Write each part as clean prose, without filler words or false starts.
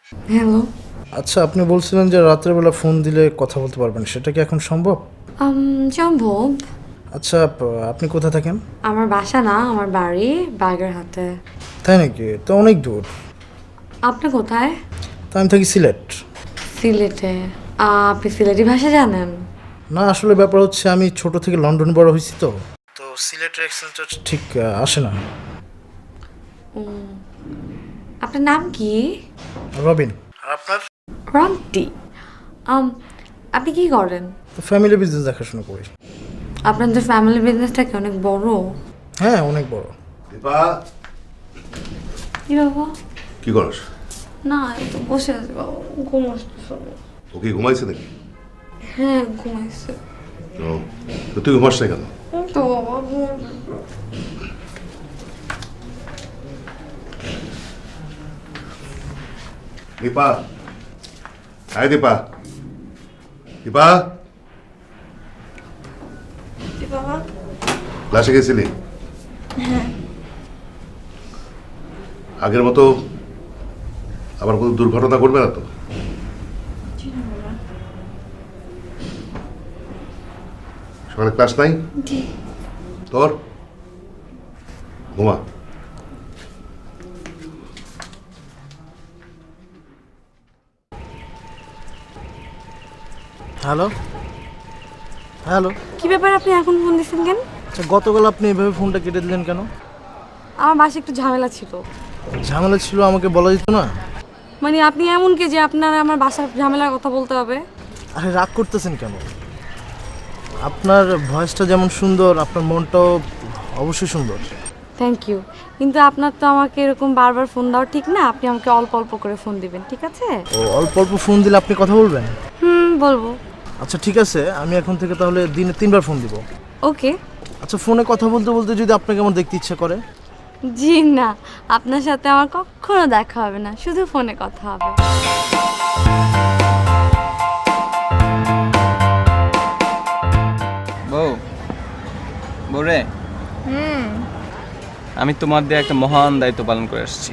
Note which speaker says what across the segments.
Speaker 1: Hello.
Speaker 2: আচ্ছা, আপনি বলছিলেন যে রাত্রেবেলা ফোন দিলে কথা বলতে পারবেন, সেটা কি এখন সম্ভব?
Speaker 1: সম্ভব।
Speaker 2: আচ্ছা, আপনি কোথায় থাকেন?
Speaker 1: আমার বাসা না, আমার বাড়ি বাগেরহাটে।
Speaker 2: তাই নাকি? তো অনেক দূর।
Speaker 1: আপনি কোথায়?
Speaker 2: তা আমি থাকি সিলেট।
Speaker 1: সিলেটে? আপনি সিলেটি ভাষা জানেন?
Speaker 2: না, আসলে ব্যাপার হচ্ছে আমি ছোট থেকে লন্ডন বড় হয়েছি, তো তো সিলেটের অ্যাকসেন্টটা ঠিক আসে না।
Speaker 1: আপনার নাম কি?
Speaker 2: রবিন। আর আপনার?
Speaker 1: রন্টি। আম, আপনি কি করেন?
Speaker 2: তো ফ্যামিলি বিজনেস দেখাশোনা করি।
Speaker 1: আপনাদের ফ্যামিলি বিজনেসটা কি অনেক বড়?
Speaker 2: হ্যাঁ, অনেক বড়।
Speaker 3: দীপা,
Speaker 1: কি বাবা?
Speaker 3: কি করস?
Speaker 1: না, এই তো বসে আছি বাবা, ঘুম আসতেছে।
Speaker 3: ও কি ঘুমাইছে নাকি?
Speaker 1: হ্যাঁ, ঘুমাইছে।
Speaker 3: ও, তো তুই ঘুমাস না কেন?
Speaker 1: তো বাবা
Speaker 3: দীপা, আয় দীপা, দীপা,
Speaker 1: বাবা।
Speaker 3: ক্লাসে গেছিলি? আগের মতো আবার কোনো দুর্ঘটনা ঘটবে না তো? সকালে ক্লাস নাই তোর? ঘুমা।
Speaker 2: Hello hello.
Speaker 1: কি ব্যাপার, আপনি এখন ফোন দিচ্ছেন কেন?
Speaker 2: আচ্ছা, গতকাল আপনি এভাবে ফোনটা কেটে দিলেন কেন?
Speaker 1: আমার বাসায় একটু ঝামেলা ছিল।
Speaker 2: ঝামেলা ছিল, আমাকে বলা যেত না?
Speaker 1: মানে আপনি এমন কি যে আপনার আমার বাসার ঝামেলার কথা বলতে হবে?
Speaker 2: আরে, রাগ করতেছেন কেন? আপনার ভয়েসটা যেমন সুন্দর, আপনার মনটাও অবশ্যই সুন্দর।
Speaker 1: থ্যাংক ইউ, কিন্তু আপনার তো আমাকে এরকম বারবার ফোন দেওয়া ঠিক না। আপনি আমাকে অল্প অল্প করে ফোন দিবেন, ঠিক আছে?
Speaker 2: ও, অল্প অল্প ফোন দিলে আপনি কথা বলবেন?
Speaker 1: বলবো।
Speaker 2: আচ্ছা, ঠিক আছে, আমি এখন থেকে তাহলে দিনে 3বার ফোন দিব।
Speaker 1: ওকে।
Speaker 2: আচ্ছা, ফোনে কথা বলতে বলতে যদি আপনাকে আমার দেখতে ইচ্ছা করে?
Speaker 1: জি না, আপনার সাথে আমার কখনো দেখা হবে না, শুধু ফোনে কথা হবে।
Speaker 4: বউ, বউরে, আমি তোমার দিয়ে একটা মহান দায়িত্ব পালন করে আসছি।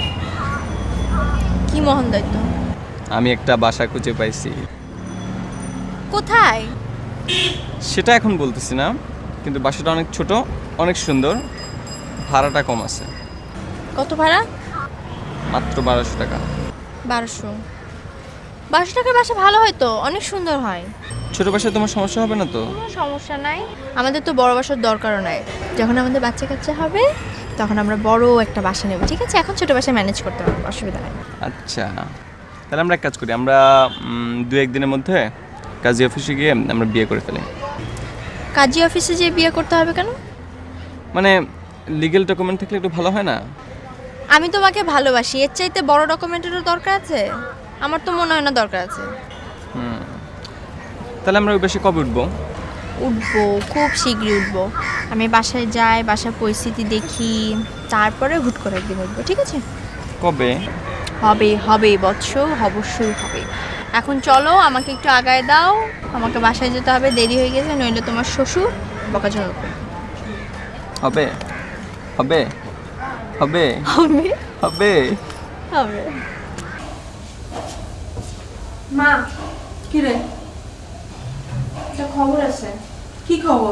Speaker 5: কি মহান দায়িত্ব?
Speaker 4: আমি একটা বাসা খুঁজে পাইছি।
Speaker 5: কোথায়?
Speaker 4: সেটা এখন বলতেছি না, কিন্তু বাসাটা অনেক ছোট, অনেক সুন্দর, ভাড়াটা কম আছে।
Speaker 5: কত ভাড়া?
Speaker 4: মাত্র 1200 টাকা।
Speaker 5: 1200? 1200 টাকার বাসা ভালো হয় তো, অনেক সুন্দর হয়।
Speaker 4: ছোট বাসায় তোমার সমস্যা হবে না তো?
Speaker 5: কোনো সমস্যা নাই, আমাদের তো বড় বাসার দরকারও নাই। যখন আমাদের বাচ্চা কাচ্চা হবে তখন আমরা বড় একটা বাসা নেব, ঠিক আছে? এখন ছোট বাসায় ম্যানেজ করতে পারবো, অসুবিধা নাই।
Speaker 4: আচ্ছা, তাহলে আমরা এক কাজ করি, আমরা 2-1 দিনের মধ্যে কাজী অফিসে গিয়ে আমরা বিয়ে করে ফেলি।
Speaker 5: কাজী অফিসে যেয়ে বিয়ে করতে হবে কেন?
Speaker 4: মানে লিগ্যাল ডকুমেন্ট থাকলে একটু ভালো হয় না?
Speaker 5: আমি তোমাকে ভালোবাসি, এর চাইতে বড় ডকুমেন্টেরও দরকার আছে? আমার তো মনে হয় না দরকার আছে।
Speaker 4: তাহলে আমরা ওই বাসে কবে উঠবো?
Speaker 5: উঠবো, খুব শীঘ্রই উঠবো। আমি বাসায় যাই, বাসার পরিস্থিতি দেখি, তারপরে হুট করে একদিন উঠবো, ঠিক আছে?
Speaker 4: কবে?
Speaker 5: হবে হবে বৎস, অবশ্যই হবে। এখন চলো, আমাকে একটু আগায় দাও, আমাকে বাসায় যেতে হবে, দেরি হয়ে গেছে, নইলে তোমার শ্বশুর বকাঝকা করবে।
Speaker 4: হবে হবে হবে
Speaker 5: হবে
Speaker 4: হবে।
Speaker 5: হবে।
Speaker 6: মা,
Speaker 5: কি রে? একটা খবর আছে।
Speaker 6: কি খবর?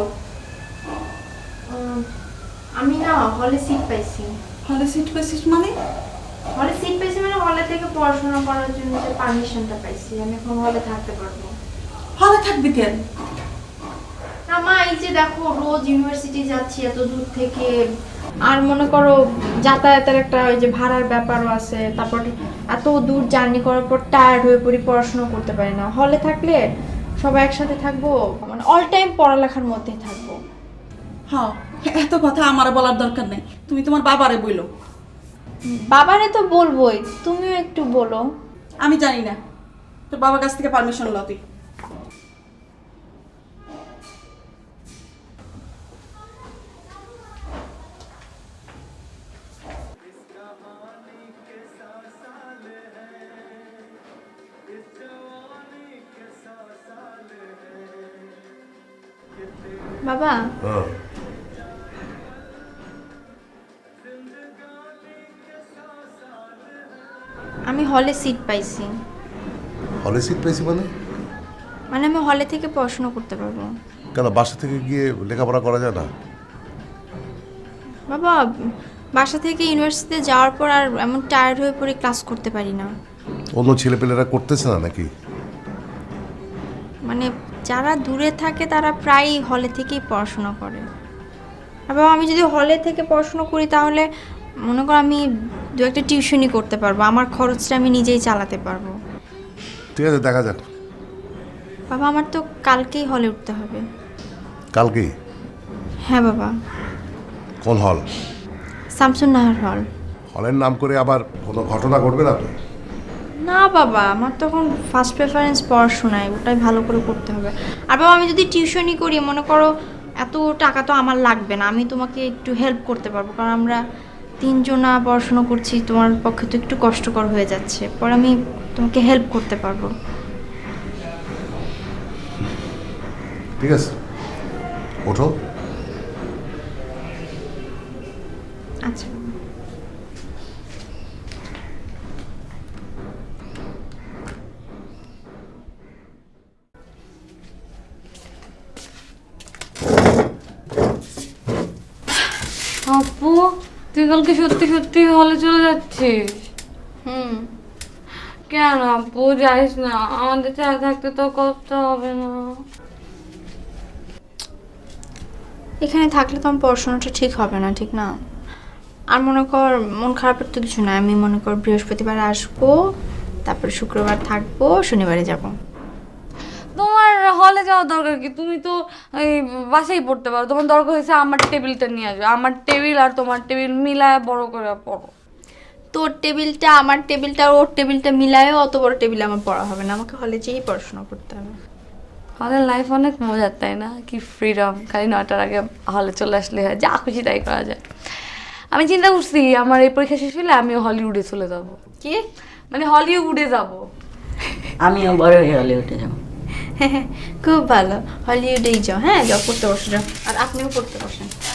Speaker 5: আমি না হলে সিট পাইছি।
Speaker 6: হলে সিট পেয়েছিস মানে?
Speaker 5: হলে সিট পাইছি মানে হলে থেকে পড়াশোনা করার জন্য যে পারমিশনটা পাইছি, আমি এখন হলে থাকতে পারবো।
Speaker 6: হলে থাকবি কেন?
Speaker 5: না মা, এই যে দেখো রোজ ইউনিভার্সিটি যাচ্ছি এত দূর থেকে, আর মনে করো যাতায়াতের একটা ওই যে ভাড়ার ব্যাপারও আছে, তারপর এত দূর জার্নি করার পর টায়ার্ড হয়ে পড়ি, পড়াশোনা করতে পারি না। হলে থাকলে সবাই একসাথে থাকবো, মানে অল টাইম পড়ালেখার মধ্যেই থাকবো।
Speaker 6: হ্যাঁ, এত কথা আমার বলার দরকার নেই, তুমি তোমার বাবারে বইলো।
Speaker 5: বাবারে তো বলবোই, তুমিও একটু বলো।
Speaker 6: আমি জানি না, তোর বাবার কাছ থেকে পারমিশন ল তুই।
Speaker 5: বাবা, আমি হলে সিট পাইছি।
Speaker 3: হলে সিট পেয়েছি মানে?
Speaker 5: মানে আমি হলে থেকে পড়াশোনা করতে পারবো।
Speaker 3: কেন বাসা থেকে গিয়ে লেখাপড়া করা যায় না?
Speaker 5: বাবা, বাসা থেকে ইউনিভার্সিটিতে যাওয়ার পর আর এমন টায়ার্ড হয়ে পড়ে ক্লাস করতে পারি না।
Speaker 3: অন্য ছেলেপেলেরা করতেছে না নাকি?
Speaker 5: মানে যারা দূরে থাকে তারা প্রায়ই হলে থেকেই পড়াশোনা করে। আর বাবা, আমি যদি হলে থেকে পড়াশোনা করি তাহলে মনে করো আমি দু একটা টিউশনই করতে পারবো, আমার খরচটা আমি নিজেই চালাতে পারবো।
Speaker 3: ঠিক আছে, দেখা যাক।
Speaker 5: বাবা, আমার তো কালকেই হলে উঠতে হবে।
Speaker 3: কালকেই?
Speaker 5: হ্যাঁ বাবা।
Speaker 3: কোন হল?
Speaker 5: শামসুন নাহার হল।
Speaker 3: হলের নাম করে আবার কোনো ঘটনা ঘটবে না তো?
Speaker 5: না বাবা, আমার তখন ফার্স্ট প্রেফারেন্স পড়াশোনায়, ওটাই ভালো করে করতে হবে। আর বাবা, আমি যদি টিউশনই করি মনে করো এত টাকা তো আমার লাগবে না, আমি তোমাকে একটু হেল্প করতে পারবো, কারণ আমরা তিনজনা পড়াশোনা করছি, তোমার পক্ষে তো একটু কষ্টকর হয়ে যাচ্ছে, পরে আমি তোমাকে হেল্প করতে পারবো।
Speaker 3: ঠিক আছে, ওঠো।
Speaker 5: আচ্ছা।
Speaker 1: আপু, তুই কালকে সত্যি সত্যি হলে চলে যাচ্ছিস? কেন আপু যাইস না, আমাদের ছাড়া থাকতে তো কষ্ট হবে না?
Speaker 5: এখানে থাকলে তো আমার পড়াশোনাটা ঠিক হবে না, ঠিক না? আর মনে কর মন খারাপের তো কিছু না, আমি মনে কর বৃহস্পতিবার আসবো, তারপর শুক্রবার থাকবো, শনিবারে যাব।
Speaker 1: তোমার হলে যাওয়ার দরকার কি? তুমি তো এই বাসায় পড়তে পারো। তোমার দরকার হয়েছে আমার টেবিলটা নিয়ে আসবে, আমার টেবিল আর তোমার টেবিল মিলায় বড় করে পড়ো।
Speaker 5: তোর টেবিলটা আমার টেবিলটা আর ওর টেবিলটা মিলায়ও অত বড় টেবিলে আমার পড়া হবে না, আমাকে হলে যেয়েই পড়াশোনা করতে হবে।
Speaker 1: হলের লাইফ অনেক মজার, তাই না? কি ফ্রিডম, খালি 9টার আগে হলে চলে আসলে হয়, যা খুশি তাই করা যায়। আমি চিন্তা করছি আমার এই পরীক্ষা শেষ হলে আমিও হলিউডে চলে যাব।
Speaker 5: কি?
Speaker 1: মানে হলিউডে যাব।
Speaker 7: আমিও বড় হয়ে হলিউডে যাবো।
Speaker 5: খুব ভালো, হলিউডেই যাও। হ্যাঁ যাও, পড়তে বসে যাও, আর আপনিও পড়তে বসেন।